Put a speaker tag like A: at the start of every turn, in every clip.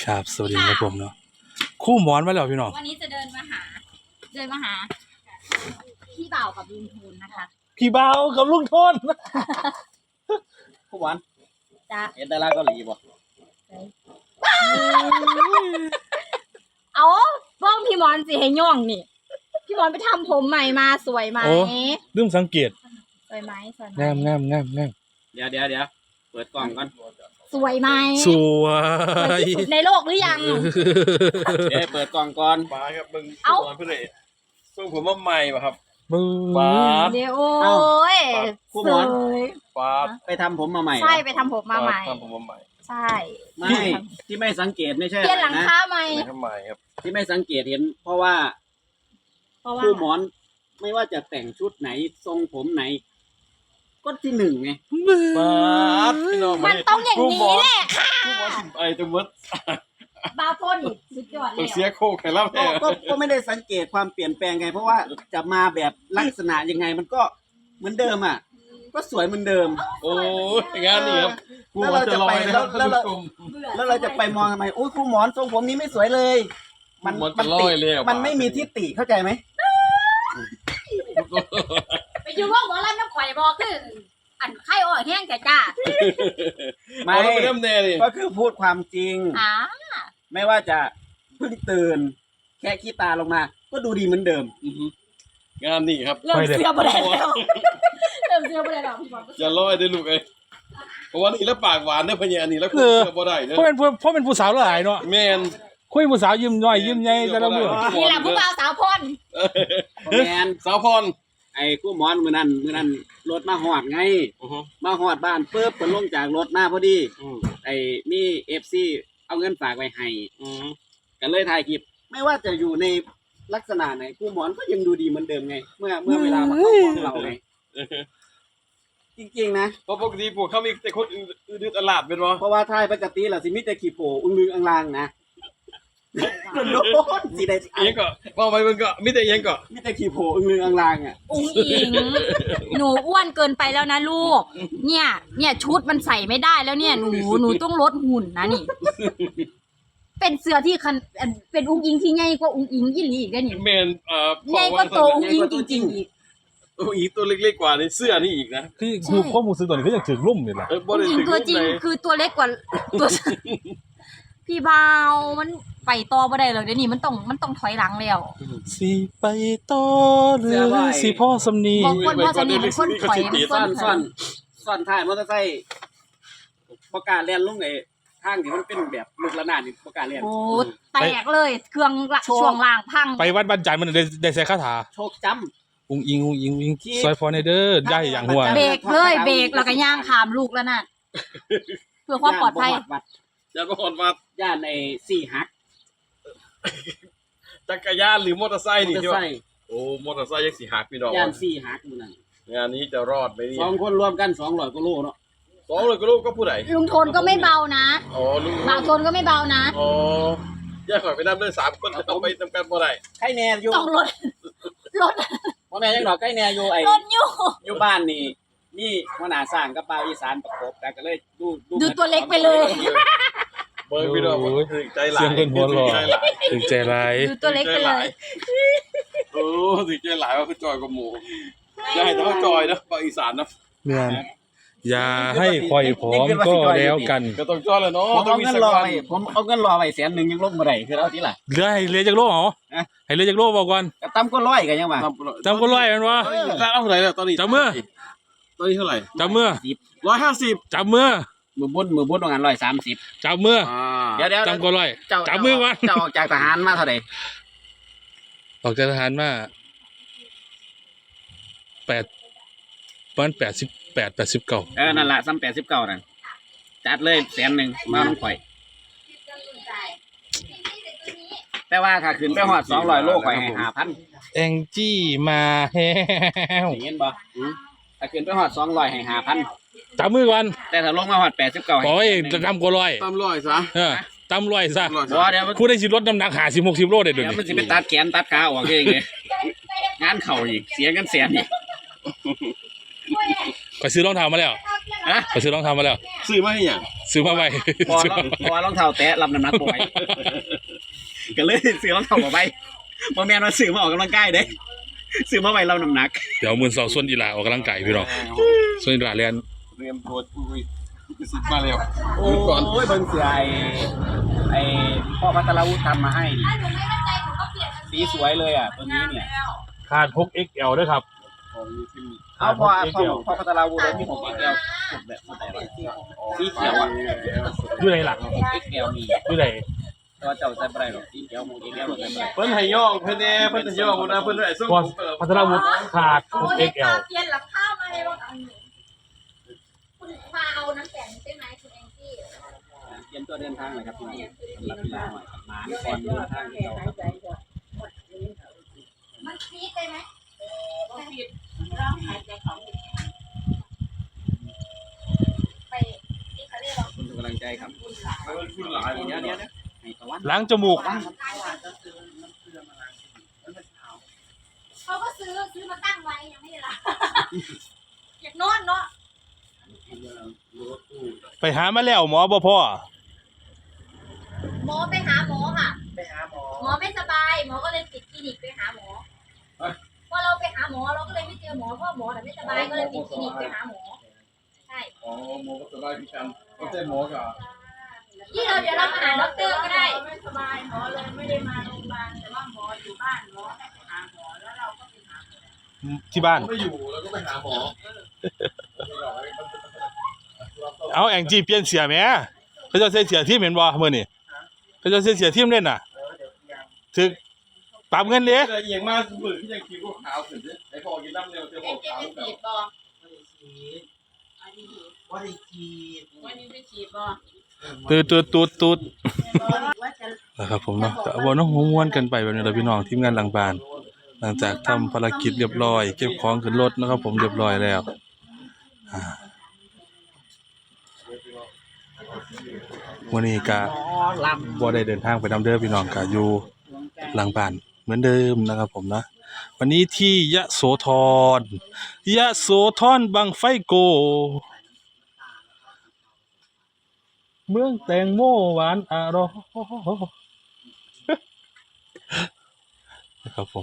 A: ครับสวัสดีครับผมเนาะคู่หมอนมาแล้วพี่น้อง
B: วันนี้จะเดินมาหาพี่บ่าวกับลุงทูนนะคะ
A: พี่เบากับลุงทน
C: คู่หวาน
B: จ้า
C: เห็นดาราเกาหลีบ่
B: เอาเบิ้งพี่มอนสิให้ย่องนี่พี่มอนไปทำผมใหม่มาสวยไหม
A: ลืมสังเกต
B: สวยไหม
A: งาม
C: เดี๋ยวเปิดกล่องก่อน
B: สวยไหม
A: สวย
B: ที่สุดในโลกหรือยัง
C: เดี๋ยวเปิดกล่องก่อน
D: มาครับมึงเอาเพื่อนเลยส่งผมมาใหม่ป่ะครับ
A: บึ้ง
B: เดี๋ยวโอ้ยสวย
D: ปาด
C: ไปทำผมมาใหม่
B: ใช่ไปทำผมมาใหม่
D: ทำผมมาใหม่
B: ใช่
C: ไม่ที่ไม่สังเกตไม่ใช่
B: เปลี่ยนหลังคาใหม่
D: ทำไมครับ
C: ที่ไม่สังเกตเห็นเพราะว่าคู่หมอนไม่ว่าจะแต่งชุดไหนทรงผมไหนก็ที่หนึ่งไง
D: ปาดพี่น้อง
B: มันต้องอย่างนี้แหละค่ะ
D: คู่หมอนไอ้ตัวมด
B: บาโฟนสุดยอดเลย
D: เสียโคกไข่เล่าแท้
C: ก็ไม่ได้สังเกตความเปลี่ยนแปลงไงเพราะว่าจะมาแบบลักษณะยังไงมันก็เหมือนเดิมอ่ะก็สวยเหมือนเดิม
D: โอ้ยงานนี้ครับ
C: แล้วเราจะไปแล้วเราจะไปมองทำไมโอ้ยคู่หมอนทรงผมนี้ไม่สวยเลยมันติมันไม่มีที่ติเข้าใจไหม
B: ไปอยู่ว่าหมอลำน้ำข่อยบอกคืออันไข้อ่อนแห้งแก่จ้า
C: ไม่ก็คือพูดความจริงไม่ว่าจะเพิ่งตื่นแค่ขี้ตาลงมาก็ดูดีเหมือนเดิม
D: งานนี้ครับ
B: เริ่มเสียประเด็นแล้ว
D: อย่าลอยได้ลูกเอ้ยเพราะว่านี่แล้วปากหวานเด้อพะเนี่ยอันนี้แล้วคุยบ่ได้เด้อ
A: เพราะเป็นผู้สาวหลายเนาะ
D: แม่น
A: คุยผู้สาวยิ้มย่อยยิ้มใหญ่แต่ละมื้อ
B: นี่แหละผู้บ่าวสาวพร
C: แม่น
D: สาวพร
C: ไอ้คู่หมอนมื้อนั้นรถมาฮอดไงมาฮอดบ้านปึ๊บเพิ่นลงจากรถมาพอดีไอ้มี FC เอาเงินฝากไว้ให้ก็เลยถ่ายคลิปไม่ว่าจะอยู่ในลักษณะไหนคู่หมอนก็ยังดูดีเหมือนเดิมไงเมื่อเวลามาเข้ากล้องเราไงจริงๆนะ
D: เพราะปกติพวกเขามีแต่คนอื่นตลาดเป็นบ่
C: เพราะว่าถ่ายปกติล่ะสิมีแต่ขี้โผอึ้งลึงอังลางนะโดนสิได้
D: ยังก็ว่าไปมันก็มีแต่ยังก็
C: มีแต่ขี้โผอึ้งลึงอังลางอ่ะ
B: อุ้งอิงหนูอ้วนเกินไปแล้วนะลูกเนี่ยชุดมันใส่ไม่ได้แล้วเนี่ยหนูต้องลดหุ่นนะนี่เป็นเสื้อที่เป็นอุ้งอิงที่ใหญ่กว่าอุ้งอิงยี่หลีอีกได้นี่
D: แม่น
B: ใหญ่กว่าตัวอุ้งอิงจริงๆอีก
D: อีตัวเล็กๆกว่าในเสื้อนี่อีกนะ
A: คือข้อมูลซื้อตัวนี้ก็ยังถึงลุ่มนี่แหละ
B: อุ้งอิงตัวจริงคือตัวเล็กกว่าตัวพี่บ่าวมันไปต่อบ่ได้เลยเดี๋ยวนี้มันต้องถอยหลังแล้ว
A: สิไปต่อหรือสิพ่อสำนี
B: บางคนพ่อสำนีเป็นคนถอย
C: ซ่อนท้ายมอเตอร์ไซค์ประกาศแล่นลงไอ้ทางที่มันเป็นแบบลูกระนาดนี่ประกาศแล่น
B: โอ้แตกเลยเครื่องช่วงล่างพัง
A: ไปวัดบ้านจันทร์มันได้ใส่คาถา
C: โชคจ้
A: ำอุ้งอิงซอยฟอร์เนเดอร์ได้อย่างหัว
B: เบรกเลยเบรกแล้วก็ย่างขามลูกแล้วน่ะเพื่อความปลอดภัย
D: อย่าบ่ฮอดวัด
C: ย่านใน4หัก
D: จักรยานหรือมอเตอร์ไซค์นี่ใช่ป่ะโอ้มอเตอร์ไซค์ยัง4หักพี่น้อง
C: ย่าน4หักอยู่นั่น
D: งานนี้จะรอดไหมนี่
C: 2คนรวมกัน200กว่าโลเนาะ
D: 200กว่าโลก็ผู้ใด
B: ลุงทนก็ไม่เบานะ
D: อ๋อลุง
B: บ่าวทนก็ไม่เบานะ
D: อ๋อแยกข่อยไปนำเด้อ3คนเอาไปนำกันบ่ได้
C: ใครแน่อยู่
B: ต้องรถ
C: บ่แม่นจังดอกใครแน่อยู่ไอ้
B: รถ
C: อยู่บ้านนี่หัวหน้าสร้างกับบ่าวอีสานประกบกันก็เลย
B: ดูตัวเล็กไปเลย
D: เบิ่งพี่น้องถึงใจหลาย
A: เสียงเพิ่นหัวหล่อถึงใจหลาย
B: ดูตัวเล็กไปเลย
D: โอ้ถึงใจหลายว่าคือจอยกับหมูอย่าให้ต้องจอยนะบ่าวอีสานนะ
A: แม่นอย่าให้คอยพร้อมก็แล้วกัน
D: ก็ต้องจอยแล้วเนาะ
C: ผมเอาเงินรอไว้100,000ยังลงบ่ได้คือเอาทีล่ะ
A: เหลือให้เหลือจักโลเหรอให้เหลือจักโลบอกก่อน
C: ก็ต่ำกว่า100ก็ยังว่า
A: ต่ำกว่า100แม่นบ่
D: แล้วเอาเท่าไหร่ล่ะตอนนี้
A: จับมือ
D: ตอนนี้เท่าไหร่
A: จับมือ
D: 150
A: จับมือ
C: มือบนว่างั้น130
A: จับมือ
C: เดี๋ยว
A: จับกว่า100จับมือก่อน
C: เจ้าออกจากทหารมาเท่าใด
A: ออกจากทหารมาประมาณ89
C: นั่นล่ะซ้ำ89นั่นจัดเลย100,000มาน้องข่อยแต่ว่าถ้าขึ้นไปฮอด200โลข่อยให้ 5,000
A: แองจี้มาแฮว
C: เห็นบ่ถ้าขึ้นไปฮอด200ให้ 5,000
A: จับมือก่อน
C: แต่ถ้าลงมาฮอด89
A: โอ้ยต่ำกว่า100
D: ต่ำ100ซะ
A: ต่ำ100ซะ
C: บ่เดี๋ยว
A: ผู้ได้สิลดน้ำหนัก50-60โลได้เดี๋ยวนี้
C: มันสิไปตัดแขนตัดขาออกเองเลยงานเข้าอีกเสียเงินแสนอีก
A: ก็ซื้อรองเท้ามาแล้ว
C: ฮ
A: ไปซื้อรองเท้ามาแล้ว
D: ซื้อมาให้หยัง
A: ซื้อมาใหม่
C: พอรองเท้าแตะรับน้ำหนักบ่ไหวก็เลยซื้อรองเท้าบ่ไปบ่แม่นว่าซื้อมาออกกำลังกายเด้ซื้อมาไว้รับน้ำหนัก
A: เดี๋ยวมื้อ2ส่วนอีหลาออกกำลังกายพี่น้องส่วนอีหลาเรียน
D: เตรียมตัวอุ้ยซื้อมาแล้ว
C: โอ้
D: ก่อน
C: ยเบิ่งเสือไอ้พ่อพัทรวุฒิทำมาให้นี่
B: ถ้าหนูไม่เข้าใจหนูก็เปลี่ยน
C: สีสวยเลยอ่ะตัวนี้เนี่ย
A: ขาด 6XL ด้วยครับ
D: ของนี้ที่มี
C: เอาพ่อพัทรวุฒิมีของ XL สุดแบบไหนวะสีเขียวอ่ะ
A: อยู่ไหนล่ะ
C: ของ XL มี
A: อยู่ไหน
C: แต่ว่าเจ้าใส่บ่ได้หรอกสีเขียวของ XL บ่ใส่บ่ได้
D: เพิ่นให้ย่องเพิ่นแน่เพิ่นจะย่องนะเพิ่นได้ส่ง
A: พอพัทรวุฒิขาด 6XL
B: เปลี่ยนหลังข้าวมาเลยว่าคุณมาเอาน้ำแข็งใช่ไหมคุณแองจี้
C: เตรียมตัวเดินทางเลยครับพี่น้องสำหรับพี่น้องหมาก่อนเดินทางที่เราครับ
B: มันฟีดได้ไหมไปที่เขาเรียกว่า
C: คุณกำลังใจครับ
D: เพิ่นพูดหลาย
C: เดี๋ยวให้ตะวัน
A: ล้างจมูก
B: เขาก็ซื้อมาตั้งไว้ยังไม่ได้ละอยากนอนเนาะ
A: ไปหามาแล้วหมอบ่พ่อ
B: หมอไปหาหมอค่ะหมอไม่สบายหมอก็เลยปิดคลินิกไปหาหมอพอเราไปหาหมอเราก็เลยไม่เจอหมอเพราะหมอแต่ไม่สบายก็เลยปิดคลินิกไปหาหมอใช่
D: อ๋อหมอก็สบายพี่กันก็ใช่หมอก็
B: ที่เราเดี๋ยวเรามาหาด็อกเตอร์ก็ได้
E: ไม่สบายหมอเลยไม่ได้มาโรงพยาบาลแต่ว่าหมออยู่บ้านหมอให้ไปหาหมอแล้วเราก็ไปหาหมอ
A: ที่บ้าน
D: ไม่อยู่แล้วก็ไปหาหมอ
A: เอาแองจี้เปลี่ยนเสียแหมเขาจะใส่เสียทีมเห็นบ่มื้อนี้เขาจะใส่เสียทีมเล่นน่ะถึกปรับเงินเด้
D: แต่เอียงมากมือที่ยังคิวขาวขึ้นไอ้พอกินน้ำเร็วจะพ
E: เอ็
D: อน
E: เจ
D: ขาว
E: ไป
D: แบบ
E: ฉีดบ่
F: ว่าได้ฉีด
E: วันนี้ไปฉีดบ่
A: ตูด
E: ว่าจะ
A: นะครับผมเนาะก็บ่น้องม่วนกันไปแบบนี้แหละพี่น้องทีมงานหลังบ้านหลังจากทำภารกิจเรียบร้อยเก็บของขึ้นรถนะครับผมเรียบร้อยแล้ววันนี้ก็
C: ล
A: บ่ได้เดินทางไปนำเด้อพี่น้องก็อยู่หลังบ้านเหมือนเดิมนะครับผมนะวันนี้ที่ยโสธรบังไฟโก เมืองแตงโมหวานอร่อยนะครับผม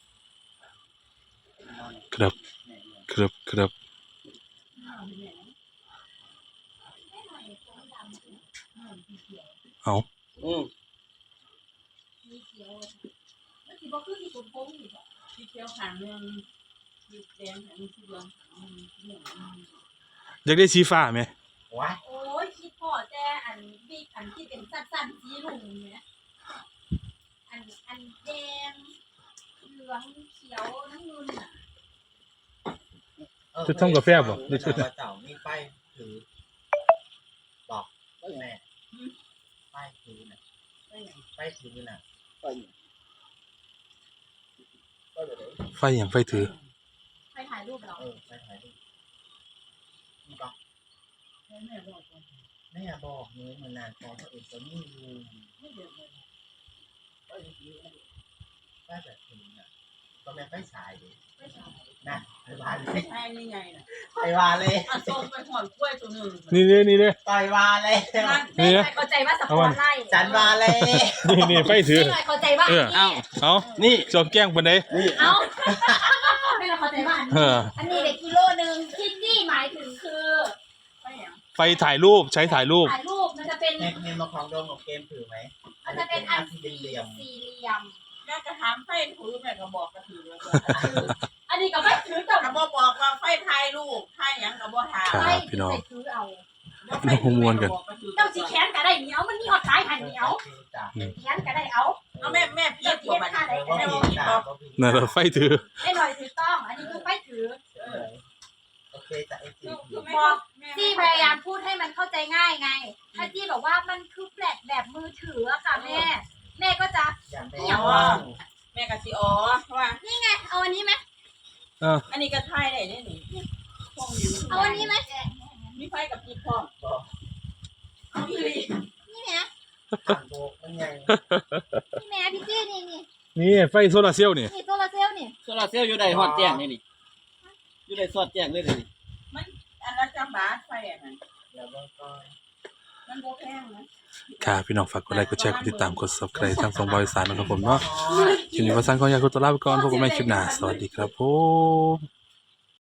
A: ครับเอา
E: ฉีดเขียวขางเรื่องฉีดแดงอันนี้ฉีดเหลือง
A: อยากได้สีฟ้าไหม
F: ว้า
B: โอ้ยคิดพอแต่อันบิ๊กอันที่เป็นสั้นๆสีลุงเนี่ยอันแดงเหลืองเขียวน้ำเงินอ่ะ
A: จะทำกาแฟบ่
F: เจ้านี่ไปถือบอกแม่ไปถือน่ะไปถือน่ะ
A: ไฟอย่างไฟถือ
B: ไปถ่ายรูปเหรอ
F: ไปถ่ายรูปบอก
E: แม่บอกว่า
F: แม่บอกนี้มันนานพอเขาเองจะไม่รู้
E: ไม่เดือดเลย
F: ว่าแบบนี้น่ะก็แม่ไปฉายดินะไปวาเลย
E: ใช่นี่ไงน่ะ
F: ไปวาเลย
E: เอาส้มไปหอดกล้วยตัวหนึ่ง
A: นี่เด้
F: ต่อยวาเลย
B: แม่เข้าใจว่าสปอร์ตไล่
F: จันวาเลย
A: นี่ไฟถือ
B: ไม่เข้าใจว่า
A: เออ
C: ำเอ้า
A: เอานี่จอมแกล้งปานใด
B: เอาไม่เข้าใจว่า
A: เออ
B: อันนี้เด็กกิโลนึงคิดนี่หมายถึงคือ
E: ไปอย่าง
A: ไฟถ่ายรูปใช้ถ่ายรูป
B: ถ่ายรูปมันจะเป็น
F: เมนมาของโดมของเกมถือไหม
B: มันจะเป็นอัน
F: ที่
B: สี่
F: เหลี่ยม
B: เหลี่ยม
E: แม่กระถามไฟถือแม่ก็บอกกระถือแล้วก็
B: อันนี้ก็ไม่ถือแต่
E: กระบอกบอกว่าไฟไทยลูกไทยหยังกระบอกถาม
A: ครับ
B: ไม่
A: พี่น้อง
B: ใส่ถือเอาเจ้าสีแขนก็ได้เหนียวมันมีออดสายหันเหนียวแขนก็ได้เอา
E: เอาแม่พีดตัวมันแม่บอกพีดบอก
A: นั่นแหละไฟถือ
B: ไอ้หน่อยถือต้อง อันนี้คือไม่ถือ
F: โอเคจะไอจี
B: บอกจี้พยายามพูดให้มันเข้าใจง่ายไง ถ้าจี้บอกว่ามันคือแฟลชแบบมือถืออะค่ะแม่ แม่ก็จะ
F: อย่างแม่
E: แม่กะสิอ๋อเพราะว่า
B: นี่ไง เอาอันนี้ไหม
E: อันนี้ก็ไทยได้เนี่ยนี่พวกอยู่
B: เอาอันนี้ไหม
E: มีไฟกับพีดพร้อมเอาอีหลี
B: นี่แม่
F: โบกมันยัง
B: นี่แม่พี่จี้นี่นี่
A: นี่ไฟโซลาร์เซลล์นี่
B: นี่โซลาร์เซลล์นี่
C: โซลาร์เซลล์อยู่ได้ฮอดแจ้งนี่อยู่ได้สอดแจ้งเลยนี่
E: มันอันละจำบบาทไฟอ่ะนั่น
F: แล้วก็
E: มันบ่แพงนะ
A: ค่ะพี่น้องฝากกดไลค์กดแชร์กดติดตามกด Subscribe ทาง2บริษัทนะครับผมเนาะคลิปนี้ก็สั่งขออยากตัวลาไปก่อนพบกันใหม่คลิปหน้าสวัสดีครับผม